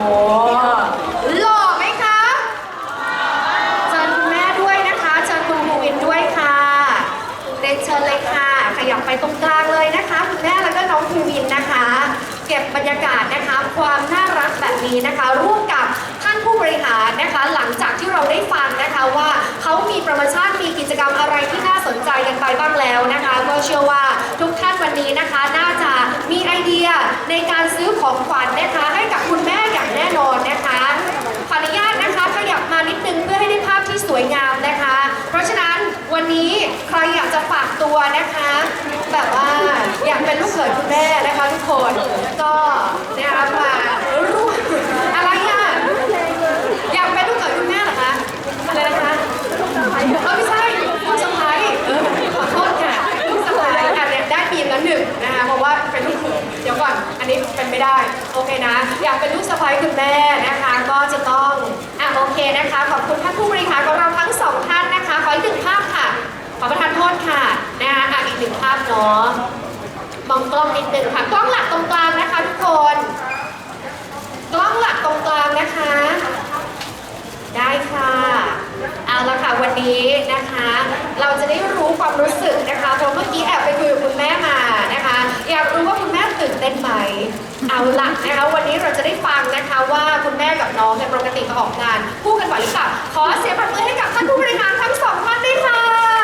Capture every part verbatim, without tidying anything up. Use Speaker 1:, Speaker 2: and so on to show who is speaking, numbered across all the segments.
Speaker 1: โอ้หล่อไหมคะเชิญคุณแม่ด้วยนะคะเชิญคุณภูวินด้วยค่ะเรียนเชิญเลยค่ะขยับไปตรงกลางเลยนะคะคุณแม่แล้วก็น้องภูวินนะคะ เก็บบรรยากาศนะคะความน่ารักแบบนี้นะคะร่วมกับท่านผู้บริหารนะคะ หลังจากที่เราได้ฟังนะคะว่าเขามีโปรโมชั่นมีกิจกรรมอะไรที่น่าสนใจกันไปบ้างแล้วนะคะก็เชื่อว่าทุกท่านวันนี้นะคะน่าจะมีไอเดียในการซื้อของขวัญนะคะให้กับคุณแม่อย่างแน่นอนนะคะขออนุญาตนะคะขยับมานิดนึงเพื่อให้ได้ภาพที่สวยงามนะคะ เพราะฉะนั้นวันนี้ใครอยากจะฝากตัวนะคะ แบบว่าอยากเป็นลูกเขยคุณแม่นะคะทุกคนก็นะคะมาร่วมอะไรอ่ะอยากเป็นลูกเขยคุณแม่เหรอคะอะไรนะคะเออไม่ใช่ลูกสะใภ้เออขอโทษค่ะลูกสะใภ้อันเนี้ยได้ปีละหนึ่งนะคะเพราะว่าเป็นลูกเขยเดี๋ยวก่อนอันนี้เป็นไม่ได้โอเคนะอยากเป็นลูกสะใภ้คุณแม่นะคะก็จะต้องอ่ะโอเคนะคะขอบคุณท่านผู้บริหารของเราทั้งสองท่านนะคะขออีกหนึ่งภาพค่ะขอประทานโทษค่ะนะคะอ่ะอีกหนึ่งภาพเนาะมองกล้องนิดนึงค่ะกล้องหลักตรงกลางนะคะทุกคนกล้องหลักตรงกลางนะคะได้ค่ะเอาละค่ะวันนี้นะคะ เราจะได้รู้ความรู้สึกนะคะเพราะเมื่อกี้แอบไปคุยกับคุณแม่มานะคะอยากรู้ว่าคุณแม่ตื่นเต้นไหมเอาละนะคะวันนี้เราจะได้ฟังนะคะว่าคุณแม่กับน้องในยปกติมาออกงานคู่กันบ่อยหรือเปล่าขอเสียงปรบมือให้กับท่านผู้บริหารทั้งสองท่านด้วยค่ะ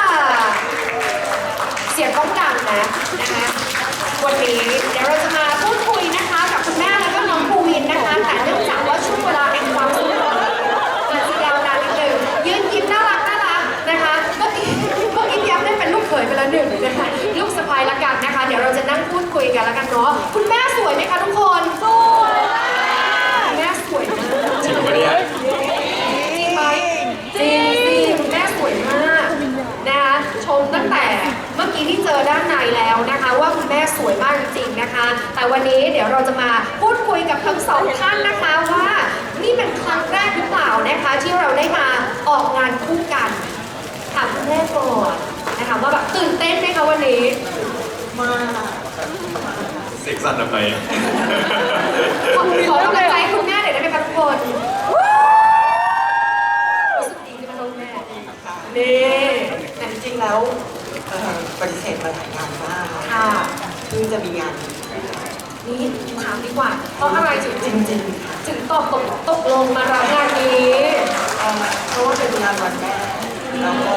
Speaker 1: เสียงต้องดังนะนะคะวันนี้เดี๋ยวเราจะมาพูดคุยนะคะกับคุณแม่แล้วก็น้องภูวินนะคะแต่เนื่องจากว่าช่วงเวลาแห่งความสุขอาจจะยาวนานนิดนึงยืนยิ้มน่ารักน่ารักนะคะเมื่อกี้เมื่อกี้พี่แอฟได้เป็นลูกเขยไปแล้วหนึ่งนะคะลูกสะใภ้ละกันนะคะเดี๋ยวเราจะนั่งพูดคุยกันละกันเนาะคุณแม่สวยไหมคะทุกคนสวยแม่สวยมาก
Speaker 2: จริงปะเนี่ย
Speaker 1: จริงไหมจริงสิคุณแม่สวยมากนะคะชมตั้งแต่เมื่อกี้ที่เจอด้านในแล้วนะคะว่าคุณแม่สวยมากจริงๆนะคะ แต่วันนี้เดี๋ยวเราจะมาพูดคุยกับทั้งสองท่านนะคะว่านี่เป็นครั้งแรกหรือเปล่านะคะที่เราได้มาออกงานคู่กันถามคุณแม่ก่อนนะคะว่าแบบตื่นเต้นไหมคะวันนี้มาก
Speaker 2: เซ็กซันทำไม
Speaker 1: ขอขอกำลังใจให้คุณแม่หน่อยได้ไหมคะทุกคนรู้สึกดีไหมคะคุณแม่นี่แต่จริงๆแล้ว
Speaker 3: เอ่อปฏิเสธมาหลายงานมาก
Speaker 1: ค่ะ
Speaker 3: เพิ่งจะมีงาน
Speaker 1: นี่ถามดีกว่าเพราะอะไรถึง
Speaker 3: จริงๆค่ะ
Speaker 1: ถึงตอบตกตกลงมารับงานนี้
Speaker 3: เอ่อเพราะว่าเป็นงานวันแม่แล้วก็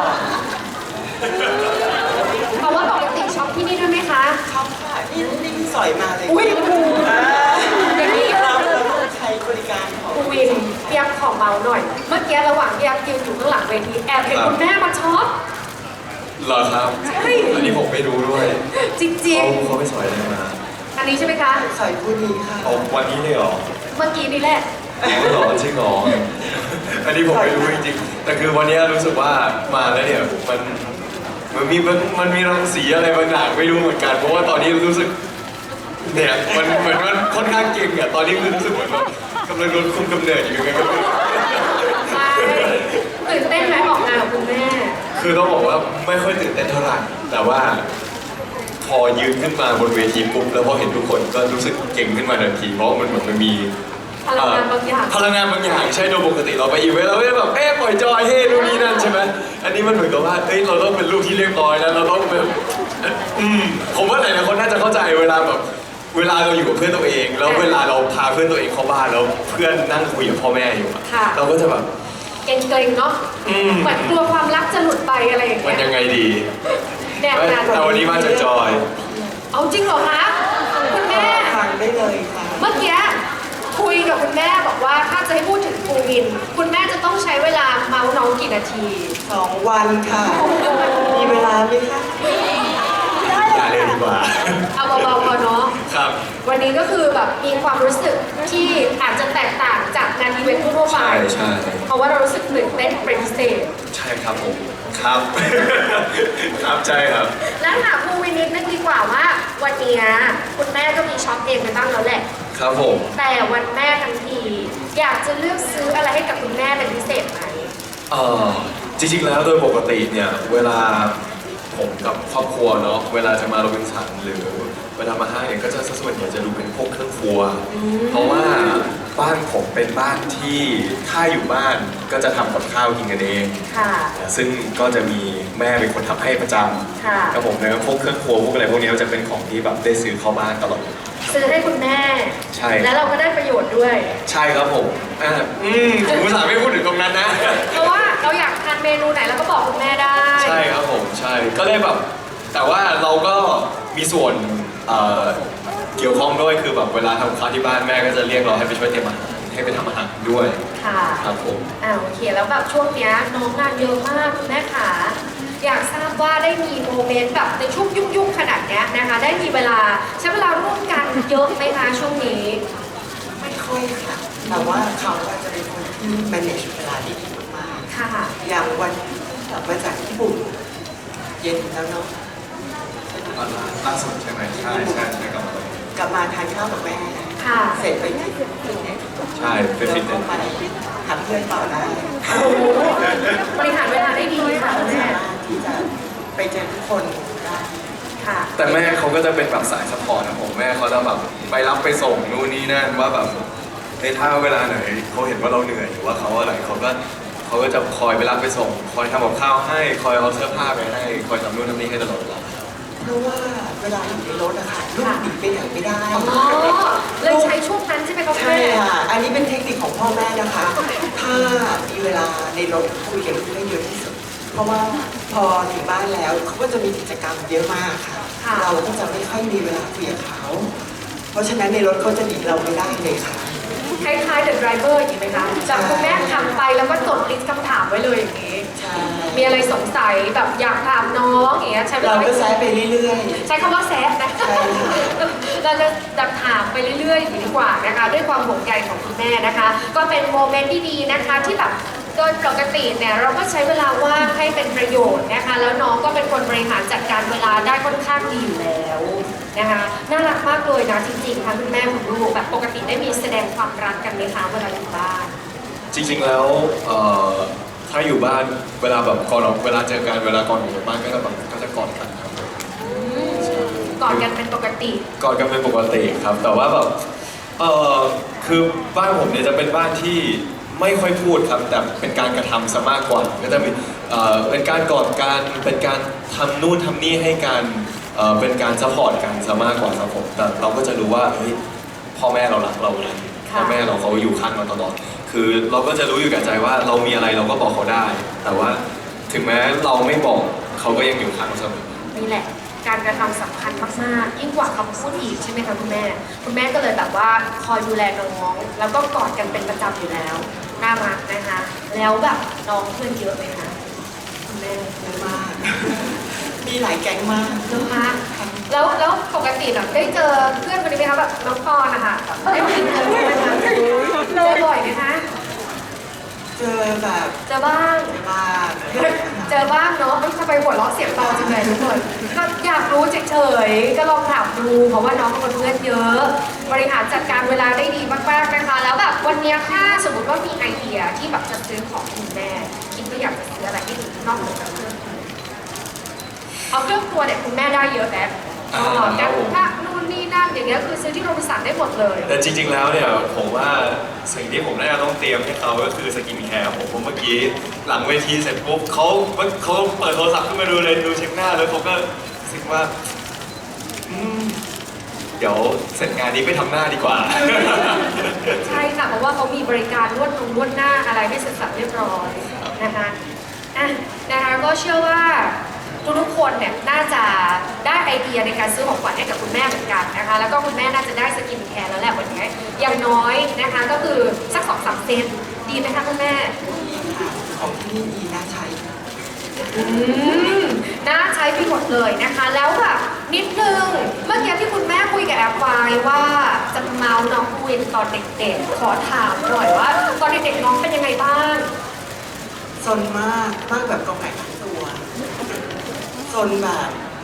Speaker 1: เพราะว่าปกติช็อปที่นี่ด้วยไหมคะ
Speaker 3: ชอบค่ะนี่นี่สอยมาเลย
Speaker 1: อุ้ยครู
Speaker 3: อ่า
Speaker 1: อย่างนี้
Speaker 3: เราเราต้องใช้บริการของ
Speaker 1: ครูวินเปียกขอเมาหน่อย เมื่อกี้ระหว่างที่แอบยืนอยู่ข้างหลังเวทีแอบเห็นคุณแม่มาช็อป
Speaker 2: เหรอครับ
Speaker 1: ใช่
Speaker 2: อันนี้ผมไม่รู้ด้วย
Speaker 1: จริง
Speaker 2: เขาเขาไปสอยอะไรมา
Speaker 1: ๆ อันนี้ใช่ไหมคะ
Speaker 3: สอยผู้นี้ค่ะ
Speaker 2: เอาวันนี้เลยเหรอ
Speaker 1: เมื่อกี้นี่แหละ
Speaker 2: อ๋อเหรอจริงเหรออันนี้ผมไม่รู้จริงๆแต่คือวันนี้รู้สึกว่ามาแล้วเนี่ยมันมันมีมันมันมีรังสีอะไรบางอย่างไม่รู้เหมือนกัน เพราะว่าตอนนี้รู้สึกเนี่ยมันเหมือนมันค่อนข้างเก่งอ่ะตอนนี้คือรู้สึกเหมือนแบบกำลังโดนคุมกำเนิดอยู่ยังไงก็ไม่รู้
Speaker 1: ใช่ตื่นเต้นไหมออกงานกับคุณแม่
Speaker 2: คือต้องบอกว่าไม่ค่อยตื่นเต้นเท่าไหร่แต่ว่าพอยืนขึ้นมาบนเวทีปุ๊บแล้วพอเห็นทุกคนก็รู้สึกเก่งขึ้นมาทันทีเพราะมันเหมือนมันมี
Speaker 1: พลังงานบางอย่าง
Speaker 2: พลังงานบางอย่างใช่โดยปกติเราไปอีเวนต์เราไม่ได้แบบเอ๊ะปล่อยจอยเฮ้นู่นนี่นั่นใช่ไหมอันนี้มันเหมือนกับว่าเอ้ยเราต้องเป็นลูกที่เรียบร้อยแล้วเราต้องแบบอืมผมว่าหลายๆคนน่าจะเข้าใจเวลาแบบเวลาเราอยู่กับเพื่อนตัวเอง แล้วเวลาเราพาเพื่อนตัวเองเข้าบ้านแล้วเพื่อนนั่งคุยกับพ่อแม่อยู่อะ
Speaker 1: ค่ะ
Speaker 2: เราก็จะแบบ
Speaker 1: เกรงๆเนาะ
Speaker 2: อืม
Speaker 1: เหมือนกลัวความรักจะหลุดไปอะไรอย่าง
Speaker 2: มัน
Speaker 1: เงี้ย
Speaker 2: ยังไงดี
Speaker 1: แดดนั้น
Speaker 2: แต่วันนี้มาจากจอย
Speaker 1: เอาจริงเหรอคะคุณแม่
Speaker 3: ฟังได้เลยค่ะ
Speaker 1: เมื่อกี้คุยกับคุณแม่บอกว่าถ้าจะให้พูดถึงภูวิน คุณแม่จะต้องใช้เวลาเมาส์น้องกี่นาที
Speaker 3: สองวันค่ะ มีเวลาไหมคะ
Speaker 2: อย่าเลยดีกว่า
Speaker 1: เอาเบาๆพอเนาะ
Speaker 2: ครับ
Speaker 1: วันนี้ก็คือแบบมีความรู้สึกที่อาจจะแตกต่างจากงานอีเวนต์ทั่วๆไป
Speaker 2: ใช่ใช่
Speaker 1: เพราะว่าเรารู้สึกตื่นเต้นเป็นพิเศษ
Speaker 2: ใช่ครับผมครับ ครับใช่ครับ
Speaker 1: แล้วถามภูวินนิดนึงดีกว่าว่าวันเนี้ยคุณแม่ก็มีช็อปเองไปบ้างแล้วแหละ
Speaker 2: ครับผม
Speaker 1: แต่วันแม่ทั้งที อยากจะเลือกซื้ออะไรให้กับคุณแม่เป็นพิเศษไหม
Speaker 2: เอ่อจริงๆแล้วโดยปกติเนี่ยเวลาผมกับครอบครัวเนาะเวลาจะมาโรบินสันหรือเวลามาห้างเนี่ยก็จะส่วนใหญ่จะดูเป็นพวกเครื่องครัว เพราะว่าบ้านผมเป็นบ้านที่ถ้าอยู่บ้านก็จะทำกับข้าวกินกันเอง
Speaker 1: ค่ะ
Speaker 2: ซึ่งก็จะมีแม่เป็นคนทำให้ประจ
Speaker 1: ค่ะ
Speaker 2: ำครับผมแล้วพวกเครื่องครัวพวกอะไรพวกนี้ก็จะเป็นของที่แบบได้ซื้อเข้าบ้านตลอด
Speaker 1: ซื้อให้คุณแม่
Speaker 2: ใช่
Speaker 1: แล้วเราก็ได้ประโยชน์ด้วย
Speaker 2: ใช่ครับผมอ่าอืมผมอุตส่าห์ไม่พูดถึงตรงนั้นนะ
Speaker 1: เพราะว่าเราอยากทานเมนูไหนเราก็บอกคุณแม่ได้
Speaker 2: ใช่ครับผมใช่ก็เลยแบบแต่ว่าเราก็มีส่วนเอ่อเกี่ยวข้องด้วยคือแบบเวลาทำข้าวที่บ้านแม่ก็จะเรียกเราให้ไปช่วยเตรียมอาหารให้ไปทำอาหารด้วย
Speaker 1: ค่ะ
Speaker 2: ครับผม
Speaker 1: อ่าโอเคแล้วแบบช่วงเนี้ยน้องงานเยอะมากคุณแม่ขาอยากทราบว่าได้มีโมเมนต์แบบในช่วงยุ่งๆขนาดเนี้ยนะคะได้มีเวลาใช้เวลาร่วมกันเยอะไหมคะช่วงนี้
Speaker 3: ไม่ค่อยค่ะ แต่ว่าเขาอาจจะเป็นคนที่ manage เวลาได้ดีมาก
Speaker 1: ค่ะ
Speaker 3: ๆอย่างวันที่กลับมาจากญี่ปุ่นเย็นแล้วเนาะ
Speaker 2: ล่าสุดใช่ไหมใช่ใช่ใช่ครับ
Speaker 3: กลับมาทานข้าวกับแม่
Speaker 1: ค่ะ
Speaker 3: เสร็จไปที่ฟิตเนส
Speaker 2: ใช่เป็นฟิตเน
Speaker 3: แล้ว
Speaker 2: ส
Speaker 3: ก็ไปหาเพื่อนต่อได้
Speaker 1: โอ้โหบริหารเวลาได้ดีค่ะคุณแม่
Speaker 3: สามารถที่จะไปเจอทุกคนได้
Speaker 1: ค่ะ
Speaker 2: แต่แม่เขาก็จะเป็นแบบสายซัพพอร์ตนะผมแม่เขาจะแบบไปรับไปส่งนู่นนี่นั่นว่าแบบในถ้าเวลาไหนเขาเห็นว่าเราเหนื่อยหรือว่าเขาอะไรเขาก็เขาก็จะคอยไปรับไปส่ง คอยทำกับข้าวให้คอยเอาเสื้อผ้าไปให้คอยทำนู่นทำนี่ให้ตลอดเวลา
Speaker 3: เพราะว่าเวลาอยู่ในรถอะค่ะลูกหนีไปไหนไม่ได้
Speaker 1: อ๋อเลยใช้ช่วงนั้นใช่ไหมคะคุณ
Speaker 3: ใช่
Speaker 1: แม่
Speaker 3: ค่ะ อันนี้เป็นเทคนิคของพ่อแม่นะคะ ถ้ามีเวลาในรถคุยกับลูกได้เยอะที่สุด เพราะว่าพอถึงบ้านแล้วเขาก็จะมีกิจกรรมเยอะมากค่ะ
Speaker 1: ค่ะ
Speaker 3: เราก็จะไม่ค่อยมีเวลาคุยกับเขา เพราะฉะนั้นในรถเขาจะหนีเราไม่ได้เลยค่ะ
Speaker 1: คล้ายๆ The Driver อย่างนี้ไหมคะจากคุณแม่ทำไปแล้วก็จดลิสต์คำถามไว้เลยอย่างนี้
Speaker 3: ใช่
Speaker 1: มีอะไรสงสัยแบบอยากถามน้องอย่างเงี้ยใช้เว
Speaker 3: เรา
Speaker 1: ลา
Speaker 3: ก็แซะไปเรื่อย
Speaker 1: ใช้คำว่าแซฟนะ
Speaker 3: ใช่ค่ะ
Speaker 1: เราจะดับถามไปเรื่อยๆอย่างนี้ดีกว่านะคะ ด้วยความห่วงใยของคุณแม่นะคะ ก็เป็นโมเมนต์ที่ดีนะคะที่แบบโดยปกติเนี่ยเราก็ใช้เวลาว่างให้เป็นประโยชน์นะคะ แล้วน้องก็เป็นคนบริหารจัดการเวลาได้ค่อนข้างดีอยู่แล้วนะคะน่ารักมากเลยนะจริงๆค่ะคุณแม่คุณลูกแบบปกติได้มีแสดงความรักกันไหมคะเวลาอยู่บ้าน
Speaker 2: จริงๆแล้วเอ่อถ้าอยู่บ้านเวลาแบบก่อนออกเวลาเจอกันเวลาก่อนออกจากบ้านก็จะแบบก็จะกอดกันครับ
Speaker 1: ก่อนกันเป็นปกติ
Speaker 2: กอดกันเป็นปกติครับ แต่ว่าแบบเออคือบ้านผมเนี่ยจะเป็นบ้านที่ไม่ค่อยพูดครับแต่เป็นการกระทำซะมากกว่าก็จะมีเอ่อเป็นการกอดกันเป็นการทำนู่นทำนี่ให้กันเอ่อเป็นการซัพพอร์ตกันซะมากกว่าครับผมแต่เราก็จะรู้ว่าเฮ้ยพ่อแม่เรารักเรานะพ่อแม่เราเขาอยู่ข้างเราตลอดคือเราก็จะรู้อยู่กับใจว่าเรามีอะไรเราก็บอกเขาได้ แต่ว่าถึงแม้เราไม่บอกเขาก็ยังอยู่ข้างเราเสมอ
Speaker 1: นี่แหละ การกระทำสำคัญมากๆยิ่งกว่าคำพูดอีกใช่ไหมคะคุณแม่ คุณแม่ก็เลยแบบว่าคอยดูแลน้อง แล้วก็กอดกันเป็นประจำอยู่แล้วน่ารักนะคะ แล้วแบบน้องเพื่อนเยอะไหมคะคุณแม่
Speaker 3: ๆเยอะมาก มีหลายแก๊งมาก
Speaker 1: เยอะมากแล้วแล้วปกติแบบได้เจอเพื่อนคนนี้ไหมคะแบบน้องปอนนะคะได้คุยเจอไหมคะเจอบ่อยไหมคะ
Speaker 3: เจอแบบ
Speaker 1: เจอบ้าง
Speaker 3: เจอบ้าง
Speaker 1: เจอบ้างเนาะทำไมหัวเราะเสียงเบาจังเลยทุกคนก็อยากรู้เฉยๆก็ลองถามดูเพราะว่าน้องเป็นคนเพื่อนเยอะ บริหารจัดการเวลาได้ดีมากๆนะคะ แล้วแบบวันเนี้ยถ้าสมมติว่ามีไอเดียที่แบบจะซื้อของคุณแม่ คิดว่าอยากจะซื้ออะไรที่นอกเหนือจากเครื่องครัวเอาเครื่องครัวเนี่ยคุณแม่ได้เยอะแล้วอ๋อแต่ถ้านู่นนี่นั่นอย่างเงี้ยคือซื้อที่โรบินสันได้หมดเลย
Speaker 2: แต่จริงๆ แล้วเนี่ยผมว่าสิ่งที่ผมน่าจะต้องเตรียมให้เขาก็คือสกินแคร์ผมผมเมื่อกี้หลังเวทีเสร็จปุ๊บเขาเขาเปิดโทรศัพท์ขึ้นมาดูเลยดูเช็คหน้าแล้วเขาก็รู้สึกว่าอืมเดี๋ยวเสร็จงานนี้ไปทำหน้าดีกว่า
Speaker 1: ใช่ค่ะเพราะว่าเขามีบริการนวดตรงนวดหน้าอะไรให้เสร็จสับเรียบร้อยนะคะอ่ะนะคะก็เชื่อว่าทุกๆคนเนี่ยน่าจะได้ไอเดียในการซื้อของขวัญให้กับคุณแม่เหมือนกันนะคะ แล้วก็คุณแม่น่าจะได้สกินแคร์แล้วแหละวันนี้อย่างน้อยนะคะก็คือสักสองสามเซตดีไหมคะคุณแม่
Speaker 3: ดีค่ะของที่นี่ดีน่าใช้
Speaker 1: อืมน่าใช้ไปหมดเลยนะคะ แล้วแบบนิดนึงเมื่อกี้ที่คุณแม่คุยกับแอปไฟว่าจะเมาส์น้องวินตอนเด็กๆขอถามหน่อยว่าตอนเด็กๆน้องเป็นยังไงบ้าง
Speaker 3: ซนมาก มากแบบกองไก่ทั้งตัวซนแบบ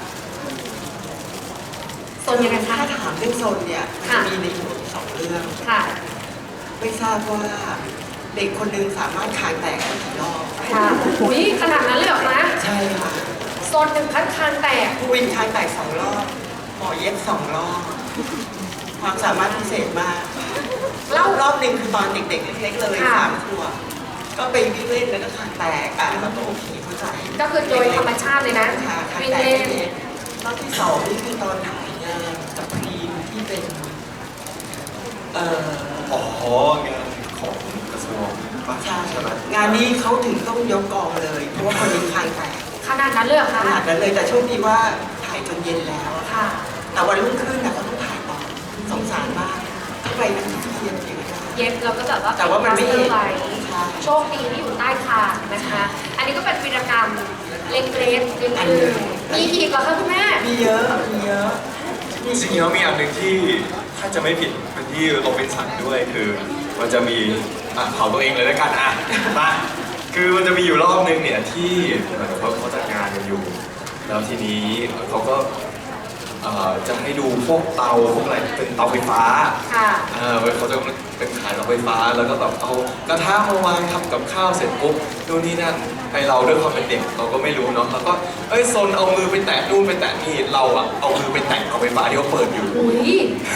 Speaker 1: โซนยังไงคะ
Speaker 3: ถ้าถามเรื่องซนเนี่ยมัน
Speaker 1: ค่ะ
Speaker 3: จะมีในหัวสองเรื่อง
Speaker 1: ค่ะ
Speaker 3: ไม่ทราบว่าเด็กคนหนึงสามารถคางแตกได้กี่รอบ
Speaker 1: ค่ะอุ้ยขนาดนั้นเลยเหรอคะ
Speaker 3: ใช่ค่ะ
Speaker 1: โซนหนึ่งขั้นคานแตก
Speaker 3: ผู้วินคางแตกสองรอบหมอเย็บสองรอบ ความสามารถพิเศษมากรอบรอบหนึ่งคือตอนเด็กๆเล็กๆเลย
Speaker 1: ค่ะ
Speaker 3: สามขวบก็ไปวิ่งเล่นแล้วก็ขาแตกอ่ะแล้วก็โอเคเข้าใจ
Speaker 1: ก็คือโดยธรรมชาติเลยนะ
Speaker 3: ค่ะขา
Speaker 1: วิ่ง
Speaker 3: แตก
Speaker 1: เล่น
Speaker 3: รอบที่สองนี่คือตอนถ่ายงานกับพรีมที่เป็นเอ่อ
Speaker 2: อ๋องานของกระทรวงป่ะ
Speaker 3: ใช่
Speaker 2: ใช่ไหม
Speaker 3: งานนี้เขาถึงต้องยกกองเลย เพราะว่าคนนี้คางแตก
Speaker 1: ขนาดนั้นเลยเหรอ
Speaker 3: ข
Speaker 1: คะ
Speaker 3: นาดนั้นเลยแต่โชคดีว่าถ่ายจนเย็นแล้วอะ
Speaker 1: ค่ะ
Speaker 3: แต่วันรุ่งขึ้นนะเขาต้องถ่ายต่อสงสารมากเข้าไปนั่งที่เย็นอยู่นะ
Speaker 1: เย็บเราก็แบบว่า
Speaker 3: แต่ว่ามันไม่เห็น
Speaker 1: ไว้
Speaker 3: ใช่
Speaker 1: โชคดีที่อยู่ใต้คางนะคะ อันนี้ก็เป็นวีรกรรมเล็กๆนิด
Speaker 3: อัน
Speaker 1: นึ
Speaker 3: หนึ่
Speaker 1: ง
Speaker 3: ง
Speaker 1: มีอีกเหรอคะคุณแม่
Speaker 3: มีเยอะมีเยอะ
Speaker 2: จริงๆแล้วมีอันหนึ่งที่ถ้าจะไม่ผิดเป็นที่โรบินสันด้วยคือมันจะมีอ่ะเผาตัวเองเลยแล้วกันอ่ะมาคือมันจะมีอยู่รอบนึงเนี่ยที่เหมือนเขาเขาจัดงานกันอยู่ แล้วทีนี้เขาก็เอ่อจะให้ดูพวกเตาพวกอะไรเป็นเตาไฟฟ้า
Speaker 1: ค่ะ
Speaker 2: เออเขาจะเป็นขายเตาไฟฟ้าแล้วก็แบบเอากระทะมาวางทำกับข้าวเสร็จปุ๊บนู่นนี่นั่นไอเราด้วยความเป็นเด็กเราก็ไม่รู้เนาะเราก็เอ้ยโซนเอามือไปแตะนู่นไปแตะนี่เราอะเอามือไปแตะเตาไฟฟ้าที่เขาเปิดอยู่
Speaker 1: อุ้ย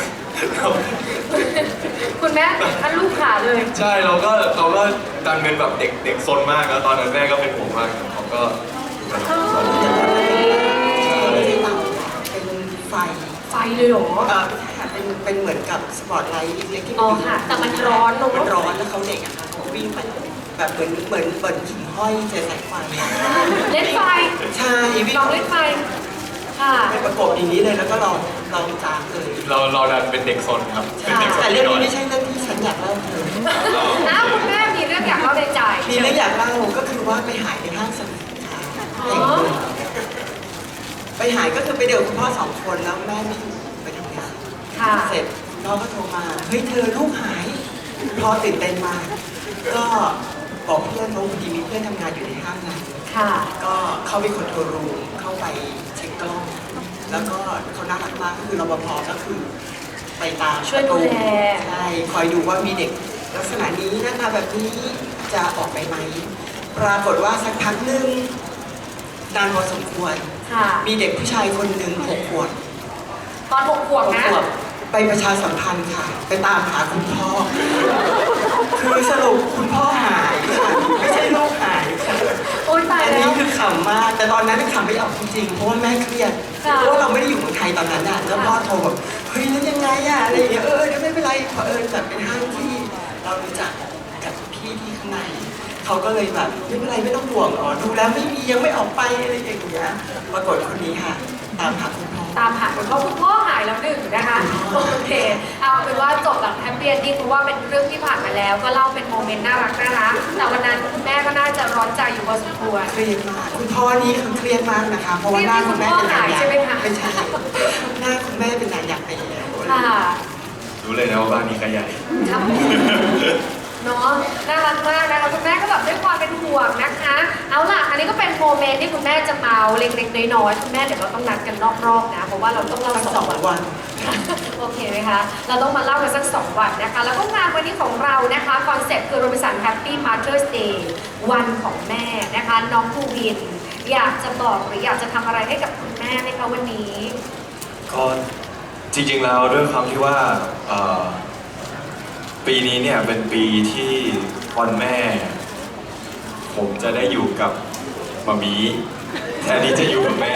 Speaker 1: คุณแม่ติดขั้นลูกขาเลย
Speaker 2: ใช่เราก็เราก็ดันเป็นแบบเด็กเด็กซนมากแล้วตอนนั้นแม่ก็เป็นห่วงมากเขาก็แบบเรา
Speaker 3: ไม่ใช่เตาเป็นไฟ
Speaker 1: ไฟเลยเหรอ
Speaker 3: เออเป็นเป็นเหมือนกับสปอตไลท์เล็กๆที่
Speaker 1: อ๋อค่ะ แต่มันร้อนลง
Speaker 3: มันร้อนแล้วเขาเด็กอะค่ะเขาวิ่งไปแบบเหมือนเหมือนเหมือนหิ่งห้อยเจอสายไฟ
Speaker 1: เล่นไฟ
Speaker 3: ใช่วิ่ง
Speaker 1: ลองเล่นไฟ ค่ะ
Speaker 3: ไปประกบอย่างนี้เลยแล้วก็ลองลองจามเลย
Speaker 2: เราเราดันเป็นเด็กซนครับเป็นเด็กซน
Speaker 3: แต่เรื่อง
Speaker 2: หน่
Speaker 3: นี้
Speaker 2: อย
Speaker 3: ไม่ใช่เรื่องที่ฉันอยากเล่าเลย
Speaker 1: อ้าวคุณแม่มีเรื่องอยากเล่าในใจ
Speaker 3: มีเรื่องอยากเล่าก็คือว่าไปหายในห้างสรรพสินค้า
Speaker 1: อ๋อ
Speaker 3: แห่งหนึ่งไปหายก็คือไปเดินกับคุณพ่อสองคนแล้วแม่ไม่อยู่ไปทำงาน
Speaker 1: ค่ะ
Speaker 3: เสร็จพ่อก็โทรมาเฮ้ยเธอลูกหายพ่อตื่นเต้นมากก็บอกเพื่อนว่าพอดีมีเพื่อนทำงานอยู่ในห้างนั้น
Speaker 1: ค่ะ
Speaker 3: ก็เข้าไปคอนโทรลรูมเข้าไปเช็คกล้อง แล้วก็เขาน่ารักมากก็คือรปภก็คือไปตาม
Speaker 1: ช่วยดูแล
Speaker 3: ใช่คอยดูว่ามีเด็กลักษณะนี้หน้าตาแบบนี้จะออกไปไหม ปรากฏว่าสักพักหนึ่งนานพอสมควร
Speaker 1: ค่ะ
Speaker 3: มีเด็กผู้ชายคนหนึ่งหกขวบ
Speaker 1: ตอนหกขวบ
Speaker 3: หก
Speaker 1: นะ
Speaker 3: ขวบไปประชาสัมพันธ์ค่ะ ไปตามหาคุณพ่อ คือสรุปคุณพ่อหายค่ะไม่ใช่ลูกหายค่ะ
Speaker 1: โอ๊ยตาย
Speaker 3: อัน
Speaker 1: แล้
Speaker 3: นี้
Speaker 1: ว
Speaker 3: คือขำมาก แต่ตอนนั้นขำไม่ออกจริงๆ เพราะว่าแม่เครียด
Speaker 1: ค่ะ
Speaker 3: เพราะว่าเราไม่ได้อยู่เมืองไทยตอนนั้นอ่ะ แล้วพ่อโทรแบบเฮ้ยแล้วยังไงอ่ะ อะไรอย่างเงี้ย เออเดี๋ยวไม่เป็นไรเผอิญแบบเป็นห้างที่เรารู้จักกับพี่ที่ข้างใน เขาก็เลยแบบไม่เป็นไรไม่ต้องห่วงอ๋อดูแล้วไม่มียังไม่ออกไปอะไรอย่างเงี้ย ปรากฏคนนี้ค่ะ ตามหาคุณพ่อ
Speaker 1: ตามหาคุณพ่อคุณพ่อหายแล้วหนึ่งนะคะ โอเค เอาเป็นว่าจบแบบแฮปปี้เอนดิ้งเพราะว่าเป็นเรื่องที่ผ่านมาแล้ว ก็เล่าเป็นโมเมนต์น่ารักน่ารักแต่วันนั้นคุณแม่ก็น่าจะร้อนใจอยู่พอสมควร
Speaker 3: เครียดมาก คุณพ่อนี่คือเครียดมากนะคะ เพราะว่าหน้าคุณแม่เป็นนางยักษ์
Speaker 1: เครียดที่คุณพ่อหายใช่ไหมคะ
Speaker 3: ไม่ใช่ หน้าคุณแม่เป็นนางยักษ์ไปแล้ว
Speaker 1: ค่ะ
Speaker 2: รู้เลยนะว่าบ้านนี้ขยาย
Speaker 1: ครับเนาะน่ารักมากนะคะคุณแม่ก็แบบด้วยความเป็นห่วงนะคะ เอาล่ะ อันนี้ก็เป็นโมเมนต์ที่คุณแม่จะเมาเล็กๆน้อยๆคุณแม่เดี๋ยวเราต้องนัดกันนอกรอบนะ เพราะว่าเราต้องเล่า
Speaker 3: ทั้ง
Speaker 1: ส
Speaker 3: ส
Speaker 1: อ
Speaker 3: อง ง
Speaker 1: วัน
Speaker 3: วัน
Speaker 1: โอเคไหมคะ เราต้องมาเล่ากันสักสองวันนะคะ แล้วก็งานวันนี้ของเรานะคะ คอนเซ็ปต์คือ Robinson Happy Mother's Day วันของแม่นะคะ น้องภูวิน อยากจะบอกหรืออยากจะทำอะไรให้กับคุณแม่ไหมคะวันนี้
Speaker 2: ก็จริงๆแล้วด้วยความที่ว่าเอ่อปีนี้เนี่ยเป็นปีที่วันแม่ ผมจะได้อยู่กับมามีแทนที่จะอยู่กับแม่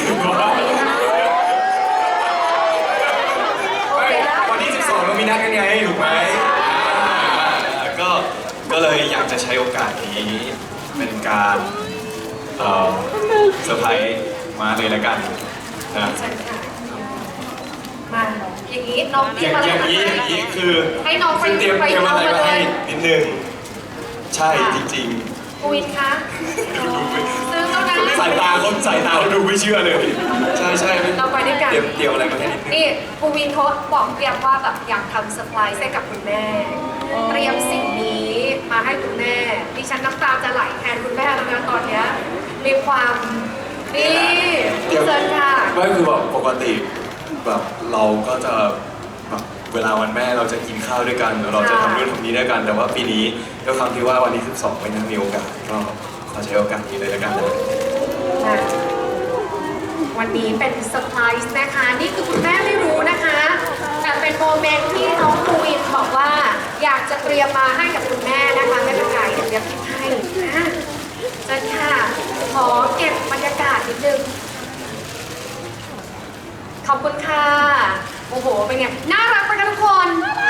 Speaker 2: ไม่วันที่สิบสองเรามีนัดกันไงถูกไหมอ่าก็ก็เลยอยากจะใช้โอกาสนี้เป็นการเอ่อเซอร์ไพรส์มาเลยละกันนะ
Speaker 1: ใช่ค่ะมาอย่างนี้น้องเต
Speaker 2: อ
Speaker 1: รียม
Speaker 2: ย่าง
Speaker 1: อะไร
Speaker 2: อย่าง
Speaker 1: มา
Speaker 2: นี้
Speaker 1: ให้
Speaker 2: อย่างนี้คือ
Speaker 1: ให้น้องไป
Speaker 2: เตรียม
Speaker 1: ไป
Speaker 2: เตรียมอะไร
Speaker 1: เอามา
Speaker 2: มา
Speaker 1: เลย
Speaker 2: ให้นิดนึงใช่จริง
Speaker 1: ภูวินคะซื้อแล้วนะ
Speaker 2: ๆ สายตาคนสายตาเขาดูไม่เชื่อเลย ใช่ใช่
Speaker 1: เราไปด้วยกัน
Speaker 2: เตรียมเตรียมอะไรมาให้นิดนึง
Speaker 1: นี่ภูวินเขาบอกเตรียมว่าแบบอยากทำเซอร์ไพรส์ให้กับคุณแม่ เตรียมสิ่งนี้มาให้คุณแม่ดิฉันน้ำตาจะไหลแทนคุณแม่แล้วนะตอนเนี้ยมีความนี่พี่เซิร์นค่ะ
Speaker 2: ไม่คือแบบปกติแบบเราก็จะแบบเวลาวันแม่เราจะกินข้าวด้วยกัน เราจะทำนู่นทำนี้ด้วยกัน แต่ว่าปีนี้ด้วยความที่ว่าวันที่สิบสองไม่ได้มีโอกาสก็ขอใช้โอกาสนี้เลยละกันนะ
Speaker 1: ค่ะวันนี้เป็นเซอร์ไพรส์นะคะ นี่คือคุณแม่ไม่รู้นะคะ แต่เป็นโมเมนต์ที่น้องภูวินบอกว่าอยากจะเตรียมมาให้กับคุณแม่นะคะไม่เป็นไรเดี๋ยวเตรียมให้นะเชิญค่ะขอเก็บบรรยากาศนิดนึงขอบคุณค่ะโอ้โหเป็นไงน่ารักไปกันทุกคน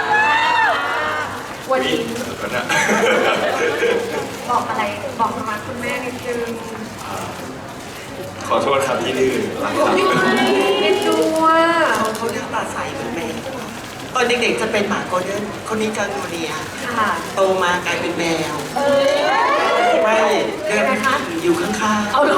Speaker 1: วันนี้
Speaker 2: ก็นะ
Speaker 1: บอกอะไรบอกมาคุณแม่นิดนึง
Speaker 2: ขอโทษครับที่ดื้อรักครับ
Speaker 1: เอ็นดูอ่ะ
Speaker 3: เขาเขาเรียกปลาใสเหมือนแมวตอนเด็กๆจะเป็นหมาโกลเด้นคนนี้จะโนเนีย
Speaker 1: ค่ะ
Speaker 3: โตมากลายเป็นแมว
Speaker 1: เออ
Speaker 3: ไม่เดินอยู่ข้าง
Speaker 1: เอาหรอ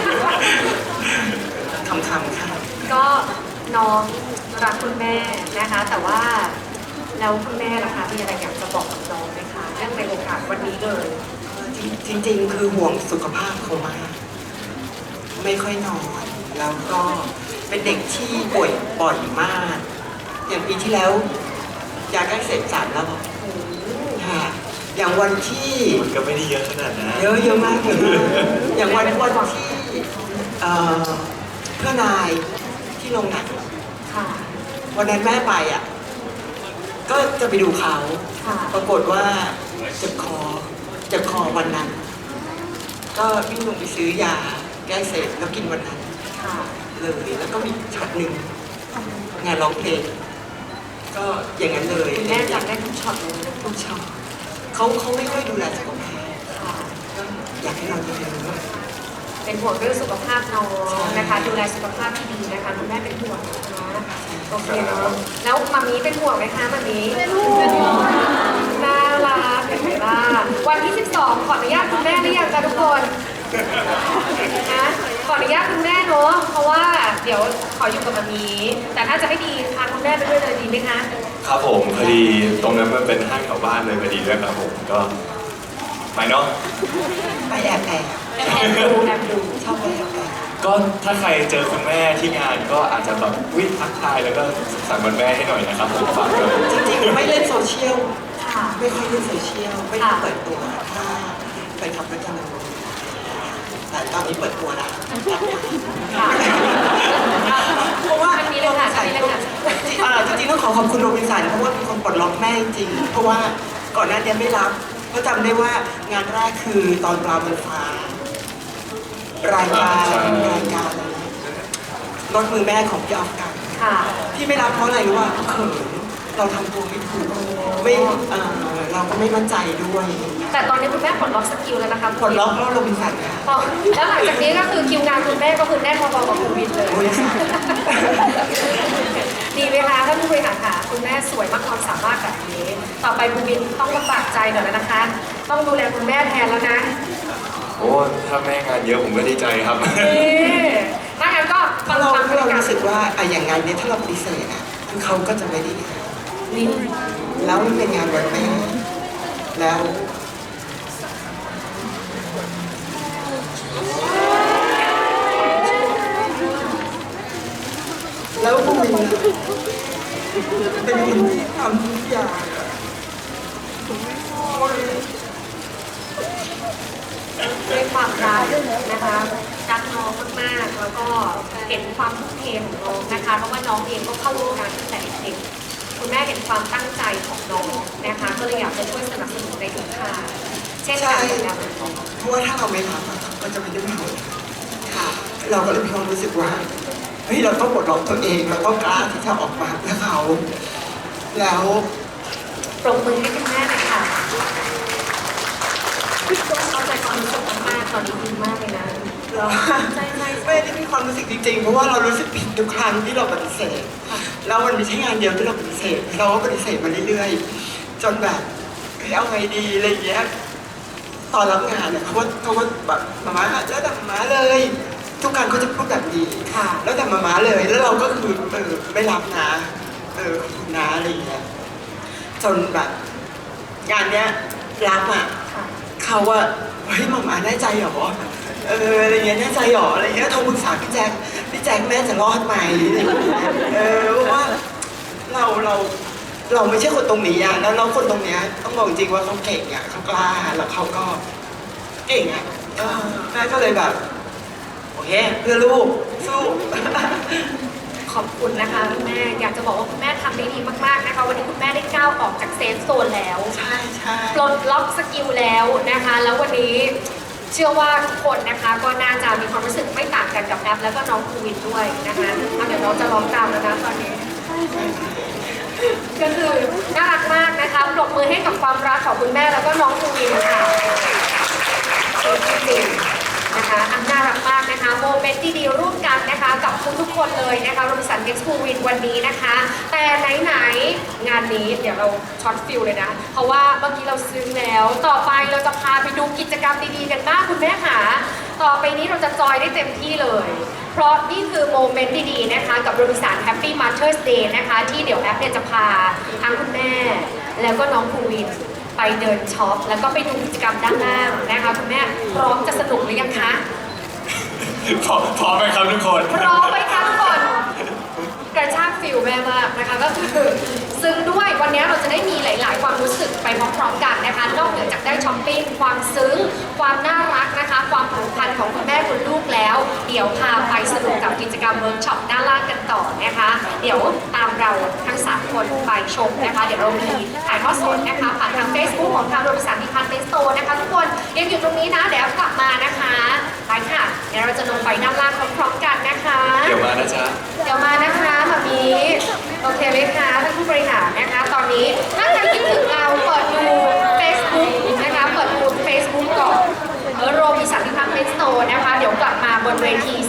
Speaker 3: ๆคำๆค่ะ
Speaker 1: ก็น้องรักคุณแม่นะคะ แต่ว่าแล้วคุณแม่ล่ะคะมีอะไรอยากจะบอกกับน้องไหมคะเรื่องในโอกาสวันนี้เลย
Speaker 3: จริงๆ คือห่วงสุขภาพเขามาก ไม่ค่อยนอน แล้วก็เป็นเด็กที่ป่วยบ่อยมาก อย่างปีที่แล้วยาใกล้เสร็จสามแล้วบอกค่ะ อย่างวันที่
Speaker 2: มันก็ไม่ได้เยอะขนาดนั้น
Speaker 3: เยอะเยอะมากเลยอย่างวันวันที่เอ่อเพื่อนายที่โรงหนัง
Speaker 1: ค่ะ
Speaker 3: วันนั้นแม่ไปอ่ะ ก็จะไปดูเขา
Speaker 1: ค่ะ
Speaker 3: ปรากฏว่าเจ็บคอเจ็บคอวันนั้น ก็วิ่งลงไปซื้อยาแก้เสพแล้วกินวันนั้น
Speaker 1: ค่ะ
Speaker 3: เลยแล้วก็มีช็อตหนึ่งงานร้องเพลงก็อย่างนั้นเลย
Speaker 1: คุณแม่จำได้ทุกช็อตเลยนะ
Speaker 3: ทุกช็อตเขาเขาไม่ค่อยดูแลสุขภาพ
Speaker 1: ค่ะ
Speaker 3: ก็อยากให้เราดูแล
Speaker 1: เป็นห่วงเรื่องสุขภาพน้องนะคะ ดูแลสุขภาพที่ดีนะคะคุณแม่เป็นห่วงนะโอเคเนาะแล้วมามีเป็นห่วงไหมคะมามีเป็นห่วงน่ารักเห็นไหมล่ะวันที่สิบสองขออนุญาตคุณแม่หรือยังคะทุกคนนะขออนุญาตคุณแม่เนาะเพราะว่าเดี๋ยวขออยู่กับมามีแต่ถ้าจะให้ดีพาคุณแม่ไปด้วยเลยดีไหมคะ
Speaker 2: ครับผมพอดีตรงนั้นมันเป็นห้างแถวบ้านเลยพอดีด้วยครับผมก็ไปเนาะ
Speaker 3: ไปแอบแอบ
Speaker 1: แอบดูแอบดู
Speaker 3: ชอบไปแอบแอบ
Speaker 2: ก็ถ้าใครเจอคุณแม่ที่งานก็อาจจะแบบวิ่งทักทายแล้วก็สุขสันต์วันแม่ให้หน่อยนะครับผมฝากด้วย
Speaker 3: จริงๆไม่เล่นโซเชียล
Speaker 1: ค่ะ
Speaker 3: ไม่ค่อยเล่นโซเชียลไม่ได้เปิดตัวถ้าไปขับรถจักรยานยนต์แต่ตอนนี้เปิดตัวแล้ว
Speaker 1: ค่ะ
Speaker 3: เพราะว่า
Speaker 1: อันนี้เลยค่ะอันนี้เลยค่ะ
Speaker 3: อ่าจริงๆต้องขอขอบคุณโรบินสันเพราะว่าเป็นคนปลดล็อกแม่จริงๆเพราะว่าก่อนหน้านี้ไม่รับเพราะจำได้ว่างานแรกคือตอนปลาบนฟ้ารายการรายการอะไรรถมือแม่ของพี่ออฟกัน
Speaker 1: ค่ะ
Speaker 3: ที่ไม่รับเพราะอะไรรู้ว่าเขินเราทำตัวไม่ถูกไม่เอ่อเราก็ไม่มั่นใจด้วย
Speaker 1: แต่ตอนนี้คุณแม่ปลดล็อกสกิลแล้วนะคะ
Speaker 3: ปลดล็อกเพราะโรบินสันค่ะ
Speaker 1: พอแล้วหลังจากนี้ก็คือคิวงานคุณแม่ก็คือแน่นพอๆกับคุณวินเลย
Speaker 3: โอ้ยค่ะ
Speaker 1: ดีไหมคะท่านผู้บริหารค่ะคุณแม่สวยมากความสามารถแบบนี้ ต่อไปคุณวินต้องลำบากใจหน่อยแล้วนะคะ ต้องดูแลคุณแม่แทนแล้วนะ
Speaker 2: โอ้ถ้าแม่งานเยอะผมก็ดีใจครับ
Speaker 1: นี่ถ้างั้นก็ฟั
Speaker 3: ถ้าง เรา
Speaker 1: ฟัง
Speaker 3: ถ้าเรา
Speaker 1: กัน
Speaker 3: รู้สึกว่าอะอย่างงานเนี้ยถ้าเราปฏิเสธอ่ะคือเขาก็จะไม่ได้งาน
Speaker 1: นี่
Speaker 3: แล้วมันเป็นงานวันแม่แล้วแล้วผู้วินเป็นคนที่ทำทุกอย่าง
Speaker 1: ด้วยความรักนะคะรักน้องมากๆแล้วก็เห็นความทุ่มเทของน้องนะคะเพราะว่าน้องเองก็เข้าวงการตั้งแต่เด็กๆคุณแม่เห็นความตั้งใจของน้องนะคะก็เลยอยากจะช่วยสนับสนุนในทุกทางเช่นกันกับน้อง
Speaker 3: เพราะว่าถ้าเราไม่ทำอะก็จะไม่ได้ผลค่ะ เราก็เลยมีความรู้สึกว่าเฮ้ยเราต้องปลดล็อกตัวเองเราต้องกล้าที่จะออกมาเพื่อเขาแล้ว
Speaker 1: ปรบมือให้คุณแม่เลยค่ะเข้าใจความรู้สึกมากๆตอนนี้ดีมากเลยนะ
Speaker 3: เรา
Speaker 1: ใช่ใช่
Speaker 3: ไม่ได้มีความรู้สึกจริงๆ เพราะว่าเรารู้สึกผิดทุกครั้งที่เราปฏิเสธแล้วมันไม่ใช่งานเดียวที่เราปฏิเสธเราก็ปฏิเสธมาเรื่อยๆ จนแบบเฮ้ยเอาไงดีอะไรอย่างเงี้ยตอนรับงานเนี่ยเขาว่าเขาว่าแบบมาม่าแล้วแต่มาม่าเลย ทุกครั้งเขาจะพูดแบบนี้
Speaker 1: ค่ะ
Speaker 3: แล้วแต่มาม่าเลย แล้วเราก็คือเออไม่รับนะเออขอบคุณนะอะไรอย่างเงี้ยจนแบบงานเนี้ยรับอ่ะ
Speaker 1: ค่ะ
Speaker 3: เขาว่าเฮ้ยหมาม่าแน่ใจเหรอเอออะไรเงี้ยแน่ใจเหรออะไรเงี้ยโทรปรึกษาพี่แจ๊คพี่แจ๊คแม่จะรอดไหมอะไรอย่างเงี้ยเออเพราะว่าเราเราเราไม่ใช่คนตรงนี้อะแล้วน้องคนตรงเนี้ยต้องบอกจริงว่าเขาเก่งอะเขากล้าแล้วเขาก็เก่งอะเออแม่ก็เลยแบบโอเคเพื่อลูกสู้ ข
Speaker 1: ขอบคุณนะคะคุณแม่อยากจะบอกว่าคุณแม่ทำได้ดีมากๆนะคะวันนี้คุณแม่ได้ก้าวออกจากเซฟโซนแล้ว
Speaker 3: ใช่ใช่
Speaker 1: ปลดล็อกสกิลแล้วนะคะ แล้ววันนี้เชื่อว่าทุกคนนะคะก็น่าจะมีความรู้สึกไม่ต่างกันกับแอปแล้วก็น้องภูวินด้วยนะคะเอาเดี๋ยวน้องจะร้องตามแล้วนะตอนนี้ ก็คือน่ารักมากนะคะปรบมือให้กับความรักของคุณแม่แล้วก็น้องภูวินค่ะจริงๆนะคะอันน่ารักมากนะคะโมเมนต์ดีๆร่วมกันนะคะกับทุกๆคนเลยนะคะรวมสันเด็กภูวินวันนี้นะคะ แต่ไหนๆงานนี้เดี๋ยวเราช็อตฟิลเลยนะ เพราะว่าเมื่อกี้เราซึ้งแล้ว ต่อไปเราจะพาไปดูกิจกรรมดีๆกันบ้างคุณแม่ค่ะต่อไปนี้เราจะจอยได้เต็มที่เลย เพราะนี่คือโมเมนต์ดีๆนะคะกับโรบินสัน Happy Mother's Day นะคะที่เดี๋ยวแอปเนี่ยจะพาทั้งคุณแม่ แล้วก็น้องภูวินไปเดินช็อปแล้วก็ไปดูกิจกรรมด้านล่างนะคะคุณแม่พร้อมจะสนุกหรือยังคะ
Speaker 2: พร้อมพร้อมไหมครับทุกคน
Speaker 1: พร้อมไหมคะทุกคนกระชากฟิลแม่มากนะคะก็คือซึ้งด้วยวันนี้เราจะได้มีหลาย ๆ ความรู้สึกไปพร้อมๆกันนะคะนอกเหนือจากได้ช้อปปิ้งความซึ้งความน่ารักนะคะ ความผูกพันของคุณแม่คุณลูกแล้ว เดี๋ยวพาไปสนุกกับกิจกรรมเวิร์กช็อปด้านล่างกันต่อนะคะ เดี๋ยวตามเราทั้งสามคนไปชมนะคะ เดี๋ยวเรามีถ่ายทอดสดนะคะผ่านทาง Facebook ของทางโรบินสันดิพันเมนต์สโตร์นะคะทุกคนยังอยู่ตรงนี้นะเดี๋ยวกลับมานะคะไปค่ะเดี๋ยวเราจะลงไปด้านล่างพร้อมๆกันนะคะ
Speaker 2: เดี๋ยวมานะจ๊ะ
Speaker 1: เดี๋ยวมานะคะมามีโอเคไหมคะท่านผู้บริหารนะคะ ตอนนี้ถ้าใครคิดถึงเราเปิดดู Facebook นะคะเปิดดู Facebook ก่อนโรบินสันดิพันเมนต์สโตร์นะคะ เดี๋ยวกลับมาบนเวที